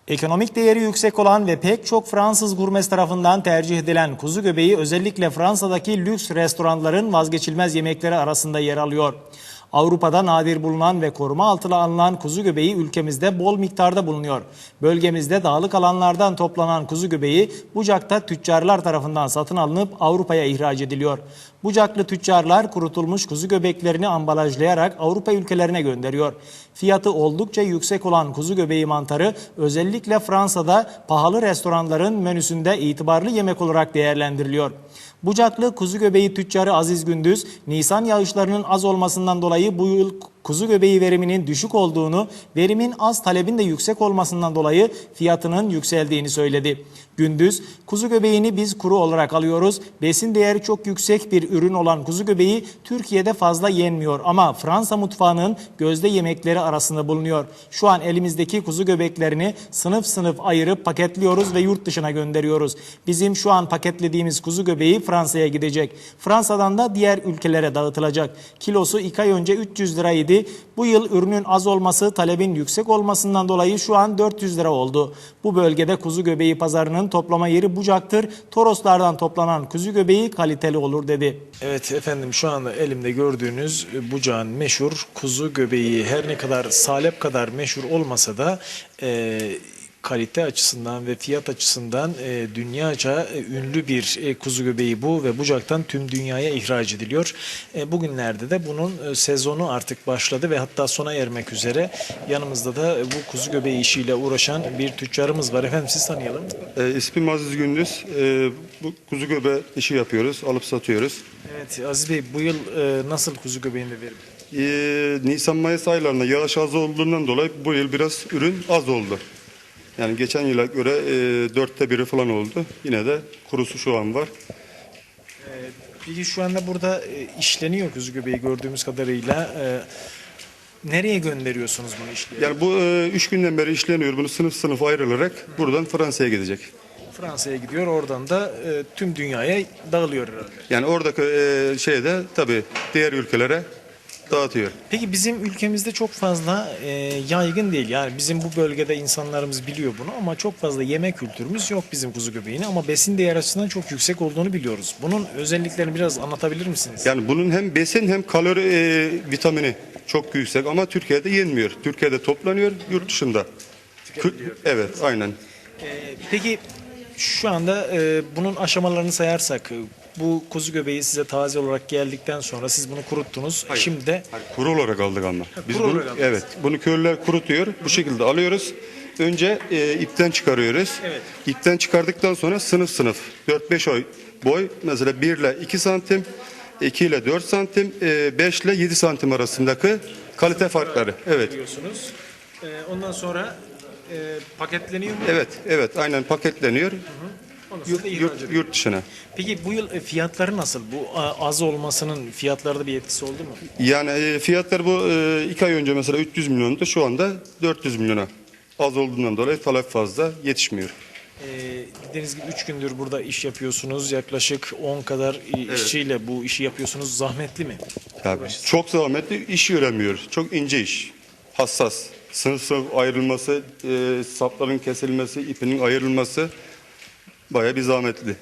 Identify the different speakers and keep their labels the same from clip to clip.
Speaker 1: Ekonomik değeri yüksek olan ve pek çok Fransız gurmesi tarafından tercih edilen kuzu göbeği özellikle Fransa'daki lüks restoranların vazgeçilmez yemekleri arasında yer alıyor. Avrupa'da nadir bulunan ve koruma altına alınan kuzu göbeği ülkemizde bol miktarda bulunuyor. Bölgemizde dağlık alanlardan toplanan kuzu göbeği Bucak'ta tüccarlar tarafından satın alınıp Avrupa'ya ihraç ediliyor. Bucaklı tüccarlar kurutulmuş kuzu göbeklerini ambalajlayarak Avrupa ülkelerine gönderiyor. Fiyatı oldukça yüksek olan kuzu göbeği mantarı özellikle Fransa'da pahalı restoranların menüsünde itibarlı yemek olarak değerlendiriliyor. Bucaklı kuzu göbeği tüccarı Aziz Gündüz, Nisan yağışlarının az olmasından dolayı bu yıl kuzu göbeği veriminin düşük olduğunu, verimin az talebin de yüksek olmasından dolayı fiyatının yükseldiğini söyledi. Gündüz, kuzu göbeğini biz kuru olarak alıyoruz. Besin değeri çok yüksek bir ürün olan kuzu göbeği Türkiye'de fazla yenmiyor ama Fransa mutfağının gözde yemekleri arasında bulunuyor. Şu an elimizdeki kuzu göbeklerini sınıf sınıf ayırıp paketliyoruz ve yurt dışına gönderiyoruz. Bizim şu an paketlediğimiz kuzu göbeği Fransa'ya gidecek. Fransa'dan da diğer ülkelere dağıtılacak. Kilosu 2 ay önce 300 liraydı. Bu yıl ürünün az olması, talebin yüksek olmasından dolayı şu an 400 lira oldu. Bu bölgede kuzu göbeği pazarının toplama yeri Bucak'tır. Toroslardan toplanan kuzu göbeği kaliteli olur dedi.
Speaker 2: Evet efendim, şu anda elimde gördüğünüz Bucak'ın meşhur kuzu göbeği her ne kadar Salep kadar meşhur olmasa da kalite açısından ve fiyat açısından dünyaca ünlü bir kuzu göbeği bu ve Bucak'tan tüm dünyaya ihraç ediliyor. Bugünlerde de bunun sezonu artık başladı ve hatta sona ermek üzere. Yanımızda da bu kuzu göbeği işiyle uğraşan bir tüccarımız var. Efendim siz tanıyalım.
Speaker 3: İsmim Aziz Gündüz. Bu kuzu göbeği işi yapıyoruz, alıp satıyoruz.
Speaker 2: Evet Aziz Bey, bu yıl nasıl kuzu göbeğinde verim?
Speaker 3: Nisan-Mayıs aylarında yağış az olduğundan dolayı bu yıl biraz ürün az oldu. Yani geçen yıla göre 1/4 falan oldu. Yine de kurusu şu an var.
Speaker 2: Peki şu anda burada işleniyor kuzu göbeği gördüğümüz kadarıyla. Nereye gönderiyorsunuz bunu işleyerek?
Speaker 3: Yani bu 3 günden beri işleniyor. Bunu sınıf sınıf ayrılarak buradan Fransa'ya gidecek.
Speaker 2: Fransa'ya gidiyor, oradan da tüm dünyaya dağılıyor herhalde.
Speaker 3: Yani oradaki şeyde tabii diğer ülkelere dağıtıyor.
Speaker 2: Peki bizim ülkemizde çok fazla yaygın değil. Yani bizim bu bölgede insanlarımız biliyor bunu ama çok fazla yeme kültürümüz yok bizim kuzu göbeğini. Ama besin değeri açısından çok yüksek olduğunu biliyoruz. Bunun özelliklerini biraz anlatabilir misiniz?
Speaker 3: Yani bunun hem besin hem kalori vitamini çok yüksek ama Türkiye'de yenmiyor. Türkiye'de toplanıyor, yurt dışında. Evet, aynen.
Speaker 2: Peki şu anda bunun aşamalarını sayarsak, bu kuzu göbeği size taze olarak geldikten sonra siz bunu kuruttunuz.
Speaker 3: Hayır.
Speaker 2: Şimdi de
Speaker 3: Kuru olarak aldık ama. Biz
Speaker 2: kuru
Speaker 3: bunu,
Speaker 2: olarak aldınız.
Speaker 3: evet, bunu köylüler kurutuyor. Bu şekilde alıyoruz. Önce ipten çıkarıyoruz.
Speaker 2: Evet.
Speaker 3: İpten çıkardıktan sonra sınıf sınıf 4-5 boy, mesela 1 ile 2 santim, 2 ile 4 santim, 5 ile 7 santim arasındaki kalite farkları. Evet.
Speaker 2: biliyorsunuz. Ondan sonra paketleniyor mu?
Speaker 3: Evet, evet, aynen paketleniyor.
Speaker 2: Ondan sonra da ihraç ediliyor.
Speaker 3: Yurt dışına.
Speaker 2: Peki bu yıl fiyatları nasıl? Bu az olmasının fiyatlarda bir etkisi oldu mu?
Speaker 3: Yani fiyatlar bu 2 ay önce mesela 300 milyondu, şu anda 400 milyona. Az olduğundan dolayı talep fazla, yetişmiyor.
Speaker 2: Dediğiniz gibi 3 gündür burada iş yapıyorsunuz. Yaklaşık 10 kadar işçiyle bu işi yapıyorsunuz. Zahmetli mi?
Speaker 3: Yani çok zahmetli, iş göremiyor. Çok ince iş, hassas. Sınıf sınıf ayrılması, sapların kesilmesi, ipinin ayrılması bayağı bir zahmetli.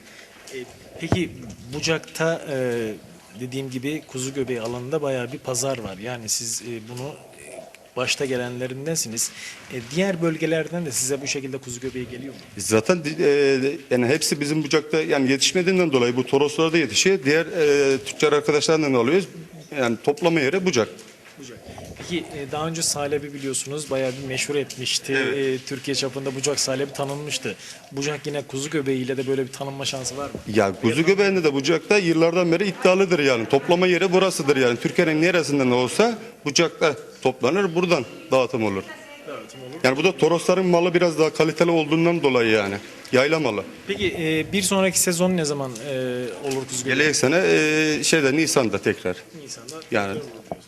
Speaker 2: Peki Bucak'ta dediğim gibi kuzu göbeği alanında bayağı bir pazar var. Yani siz bunu başta gelenlerindensiniz. Diğer bölgelerden de size bu şekilde kuzu göbeği geliyor mu?
Speaker 3: Zaten yani hepsi bizim Bucak'ta yani yetişmediğinden dolayı bu Toroslarda yetişiyor. Diğer tüccar arkadaşlarından alıyoruz. Yani toplama yeri Bucak.
Speaker 2: Bucak. Peki daha önce Salep'i biliyorsunuz bayağı bir meşhur etmişti.
Speaker 3: Evet.
Speaker 2: Türkiye çapında Bucak Salep'i tanınmıştı. Bucak yine kuzu göbeğiyle de böyle bir tanınma şansı var mı?
Speaker 3: Ya kuzu göbeğinde de Bucak'ta yıllardan beri iddialıdır yani. Toplama yeri burasıdır yani. Türkiye'nin neresinden olsa Bucak'ta toplanır, buradan dağıtım olur.
Speaker 2: Dağıtım olur.
Speaker 3: Yani bu da Torosların malı biraz daha kaliteli olduğundan dolayı yani. Yayla malı.
Speaker 2: Peki bir sonraki sezon ne zaman olur kuzu göbeği?
Speaker 3: Gelecek sene Nisan'da tekrar.
Speaker 2: Nisan'da.
Speaker 3: Yani
Speaker 2: diyorsunuz.